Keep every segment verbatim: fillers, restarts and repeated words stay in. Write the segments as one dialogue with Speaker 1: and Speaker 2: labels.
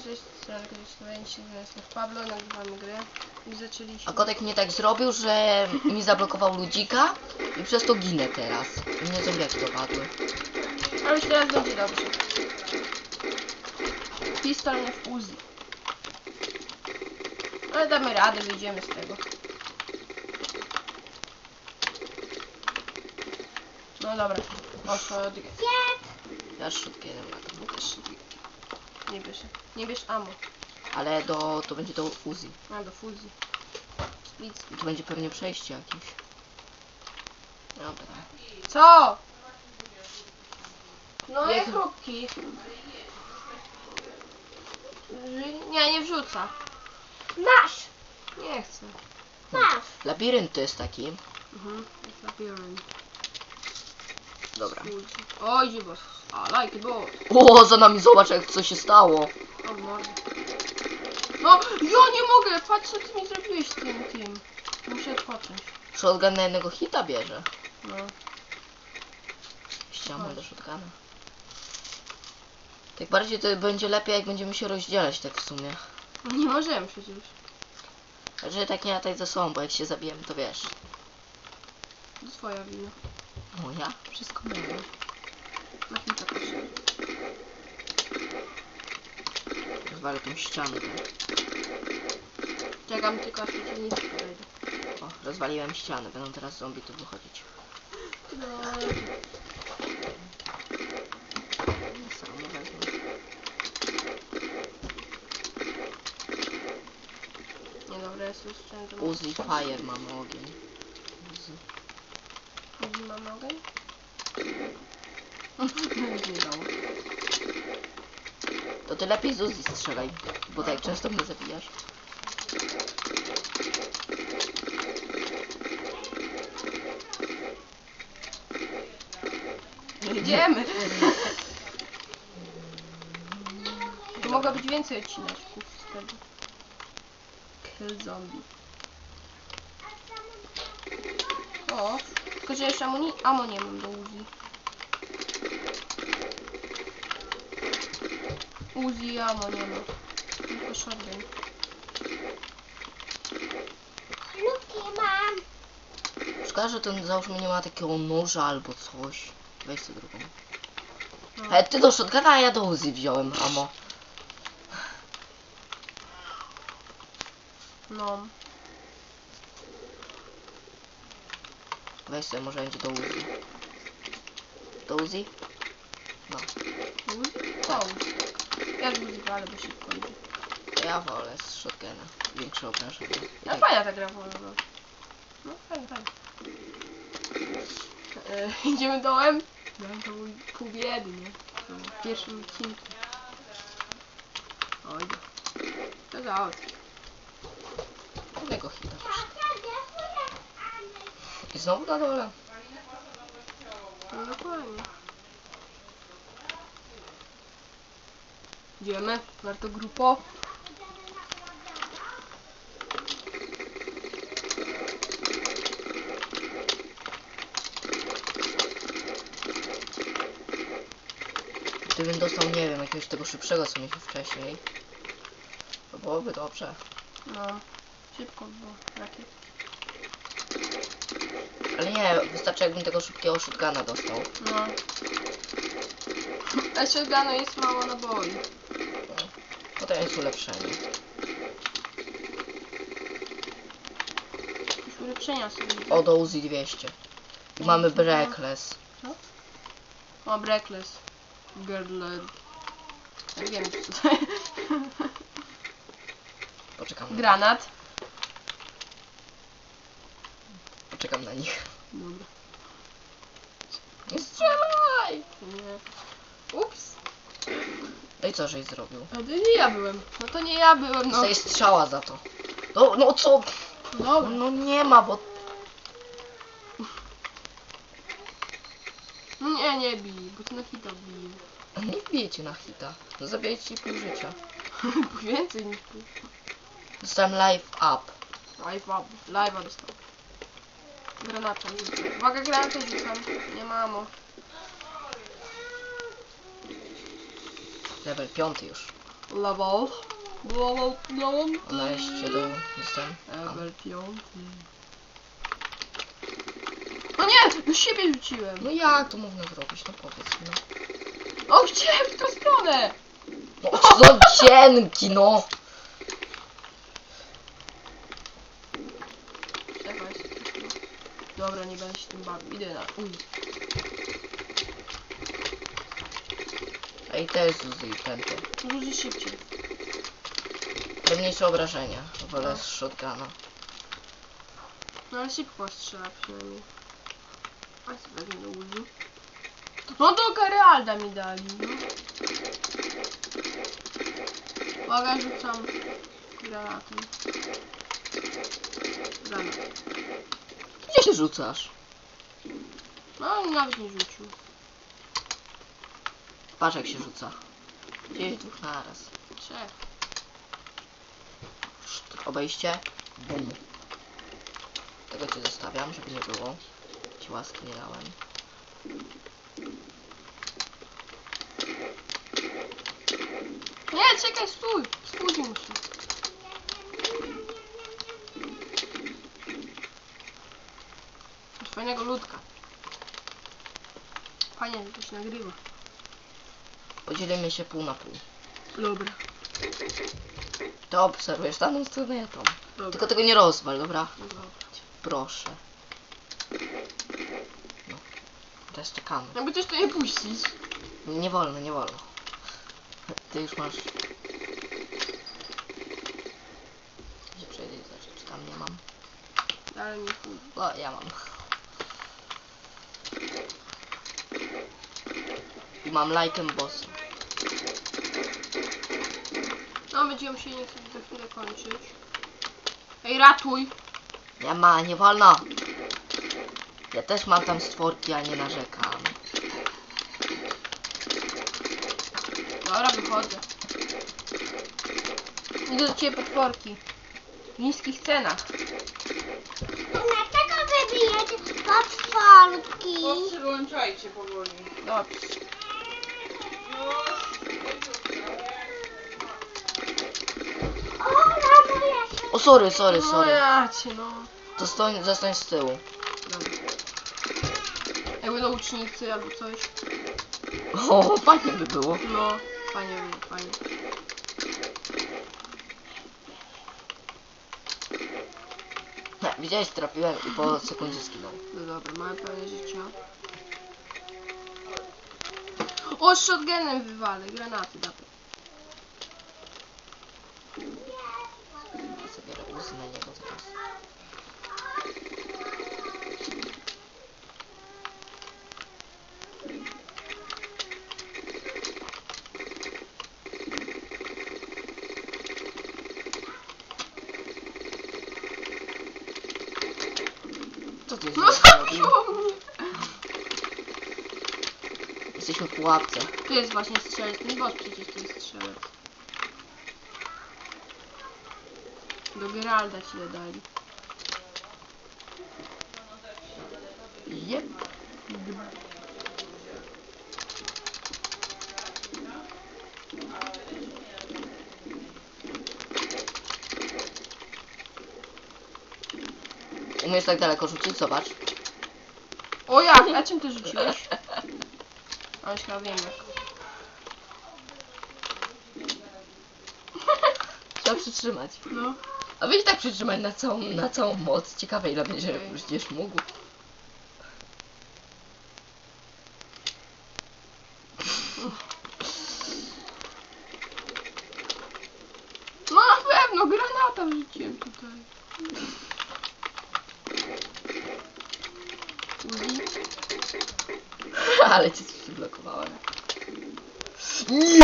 Speaker 1: Cześć, cześć, jestem w Pablo, nagrywamy grę i zaczęliśmy.
Speaker 2: A kotek mnie tak zrobił, że mi zablokował ludzika i przez to ginę teraz. I mnie zombiaki dopadły.
Speaker 1: Ale już teraz będzie dobrze. Pistol nie w Uzi. Ale damy radę, wyjdziemy z tego. No dobra, poszło od...
Speaker 2: Ja szybkie nie mam, bo też szybkie.
Speaker 1: Nie bierz, nie bierz ammo.
Speaker 2: Ale do, to będzie do fuzji.
Speaker 1: A, do fuzji. Nic.
Speaker 2: I to będzie pewnie przejście jakieś. Dobra.
Speaker 1: Co? No
Speaker 2: Jak-
Speaker 1: jak chrupki. Nie, nie wrzuca.
Speaker 3: Masz!
Speaker 1: Nie chcę.
Speaker 3: Masz!
Speaker 2: Labirynt to jest taki.
Speaker 1: Mhm, jest labirynt.
Speaker 2: Dobra.
Speaker 1: Oj, dziwos. A, like boss.
Speaker 2: O, za nami zobacz jak co się stało.
Speaker 1: O, mordę. No, ja nie mogę! Patrz co ty mi zrobiłeś z tym, tym. Muszę odpocząć.
Speaker 2: Shotgun na jednego hita bierze.
Speaker 1: No.
Speaker 2: Ściągnę do shotguna. Tak bardziej to będzie lepiej jak będziemy się rozdzielać tak w sumie.
Speaker 1: Nie możemy przecież.
Speaker 2: Znaczy tak nie latać ze sobą, bo jak się zabijemy to wiesz.
Speaker 1: To twoja wina.
Speaker 2: Moja? Wszystko moje.
Speaker 1: Na chwilę proszę.
Speaker 2: Rozwalę tą ścianę. Tak.
Speaker 1: Czekam tylko aż przeciwnicy podejdą.
Speaker 2: O, rozwaliłem ścianę. Będą teraz zombie tu wychodzić.
Speaker 1: No.
Speaker 2: Samo wezmę.
Speaker 1: Nie dobra, jest już szczęście.
Speaker 2: Uzi fire, mamy ogień. Uzi.
Speaker 1: Uzi mam ogień? Nic nie dało.
Speaker 2: To ty lepiej z Uzi strzelaj, bo tak często mnie zabijasz.
Speaker 1: Jedziemy! Tu mogło być więcej odcineczków z tego. Kill zombie. O, tylko że jeszcze amuni... Amo nie mam do Uzi. Uzi i amo nie ma. Tylko shotgun.
Speaker 3: Luki mam!
Speaker 2: Szkoda, że ten załóżmy nie ma takiego noża albo coś. Weź sobie drugą.
Speaker 1: No.
Speaker 2: Ale ty do shotguna, a ja do Uzi wziąłem, amo.
Speaker 1: No.
Speaker 2: Weź sobie, może będzie do Uzi. Do Uzi? No.
Speaker 1: Uzi? Co Uzi? Ja z Uzi ale bo szybko idzie.
Speaker 2: Ja wolę z shotguna. Większe obrażenia. I
Speaker 1: No
Speaker 2: tak,
Speaker 1: fajna ta gra wolna. No fajnie, fajnie. E, idziemy dołem? No to mój pół biedy, nie? No, w pierwszym odcinku. Oj. To załatwi.
Speaker 2: jednego hita. I znowu na dole.
Speaker 1: No dokładnie. Idziemy? Warto grupo.
Speaker 2: Gdybym dostał, nie wiem, jakiegoś tego szybszego, co mieliśmy wcześniej, to byłoby dobrze.
Speaker 1: No. Szybko było. Rakiet.
Speaker 2: Ale nie, wystarczy jakbym tego szybkiego shotguna dostał.
Speaker 1: No. A shotgunu jest mało naboi.
Speaker 2: No. Potem jest ulepszenie.
Speaker 1: Jakieś ulepszenia sobie.
Speaker 2: O, do Uzi dwieście. I mamy Breakless.
Speaker 1: O, Breakless. Girl. Ja wiem co to jest.
Speaker 2: Poczekam na,
Speaker 1: Granat.
Speaker 2: poczekam na nich.
Speaker 1: Dobra.
Speaker 2: Nie strzelaj!
Speaker 1: Nie. Ups.
Speaker 2: No i co, żeś zrobił?
Speaker 1: No to nie ja byłem. No to nie ja byłem, no.
Speaker 2: Dostaję strzała za to. No, no co? No,
Speaker 1: Dobra.
Speaker 2: no nie ma, bo...
Speaker 1: No nie, nie bij, bo to na hita bije.
Speaker 2: Nie wbijecie na hita. No zabijecie ci pół życia.
Speaker 1: Więcej niż pół.
Speaker 2: Dostałem life up.
Speaker 1: Live up. Live'a dostał. Granata rzucam. Uwaga, granatę rzucam. Nie mamo.
Speaker 2: Level piąty już.
Speaker 1: Level. Level piąty.
Speaker 2: Wejście do... Jestem.
Speaker 1: Level piąty. No nie! Do siebie rzuciłem.
Speaker 2: No jak to można zrobić? No powiedz mi.
Speaker 1: O, chciałem w tą stronę!
Speaker 2: No co cienki, no!
Speaker 1: Czekaj. Dobra, nie będę się tym bawił. Idę na... Uj.
Speaker 2: Ej, też zuzy i pęty.
Speaker 1: Rzuci szybciej.
Speaker 2: Mniejsze obrażenia. Wolę z shotguna.
Speaker 1: No ale szybko strzela przynajmniej. A co wezmę do Uzi? No do Geralda mi dali, no. Uwaga, rzucam granatem. Granat.
Speaker 2: Gdzie się rzucasz?
Speaker 1: No nawet nie rzucił.
Speaker 2: Patrz jak się rzuca. Gdzieś dwóch naraz.
Speaker 1: Trzech.
Speaker 2: Szt, obejście. Bum. Tego cię zostawiam, żeby nie było. Ci łaski nie dałem.
Speaker 1: Nie, czekaj, stój! Spóźnił się. Masz fajnego ludka. Fajnie, że to się nagrywa.
Speaker 2: Podzielimy się pół na pół.
Speaker 1: Dobra.
Speaker 2: To obserwujesz daną stronę, ja tą.
Speaker 1: Dobra.
Speaker 2: Tylko tego nie rozwal, dobra?
Speaker 1: Dobra.
Speaker 2: Proszę. No. Teraz czekamy.
Speaker 1: Jakby też to nie puścić.
Speaker 2: Nie wolno, nie wolno. Ty już masz... Gdzie przejdę i zobaczę, czy tam nie mam.
Speaker 1: Ale nie pójdzie.
Speaker 2: O, ja mam. I mam lajkiem bossa.
Speaker 1: No, będziemy się niestety za chwilę kończyć. Ej, ratuj!
Speaker 2: Nie ma, nie wolno. Ja też mam tam stworki, a nie narzekam.
Speaker 1: Dobra, wychodzę. Idę do ciebie potworki. W niskich cenach.
Speaker 3: Dlaczego wybijecie potworki?
Speaker 4: Wyłączajcie powoli.
Speaker 1: Dobrze.
Speaker 3: O, mamo, ja się...
Speaker 2: O, sorry, sorry,
Speaker 1: No
Speaker 2: sorry.
Speaker 1: ja cię, no.
Speaker 2: Zostań, zostań z tyłu.
Speaker 1: Dobra. Jakby do ucznicy albo coś.
Speaker 2: O, fajnie by było.
Speaker 1: No, fajnie było, fajnie.
Speaker 2: Nie, widziałeś, trafiłem i po sekundzie skinął.
Speaker 1: No dobra, mamy pełne życia. O, z shotgunem wywalę, granaty dawaj.
Speaker 2: Ja sobie robię na niego teraz. Co ty
Speaker 1: No
Speaker 2: zrobił?
Speaker 1: zabiło mnie!
Speaker 2: Jesteśmy w pułapce.
Speaker 1: Tu jest właśnie strzelec, ten boss przecież to jest strzelec. Do Geralda ci je dali.
Speaker 2: Jep. Umiesz tak daleko rzucić? Zobacz.
Speaker 1: O jak? A czym ty rzuciłeś? A już chyba wiem jak.
Speaker 2: Trzeba przytrzymać.
Speaker 1: No.
Speaker 2: A weź tak przytrzymać na całą, na całą moc. Ciekawe ile będzie,
Speaker 1: Okej.
Speaker 2: będziesz mógł.
Speaker 1: No na pewno, granata wrzuciłem tutaj. Uzi.
Speaker 2: Ale cię przyblokowałem.
Speaker 1: Nie,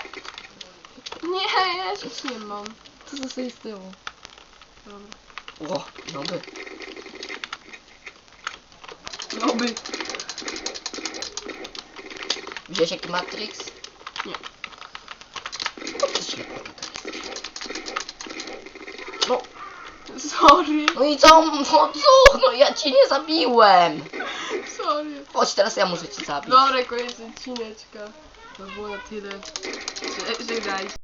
Speaker 1: ja nic nie mam.
Speaker 2: Co zostaje z tyłu?
Speaker 1: Dobra.
Speaker 2: Ło, no by.
Speaker 1: No by.
Speaker 2: Widziałeś jaki Matrix?
Speaker 1: Nie.
Speaker 2: No to ślepota tak jesteś. No,
Speaker 1: Sorry.
Speaker 2: no i co? No co? No ja cię nie zabiłem.
Speaker 1: Sorry.
Speaker 2: Chodź, teraz ja muszę cię zabić.
Speaker 1: Dobra, koniec odcineczka. To było na tyle. Żegnajcie.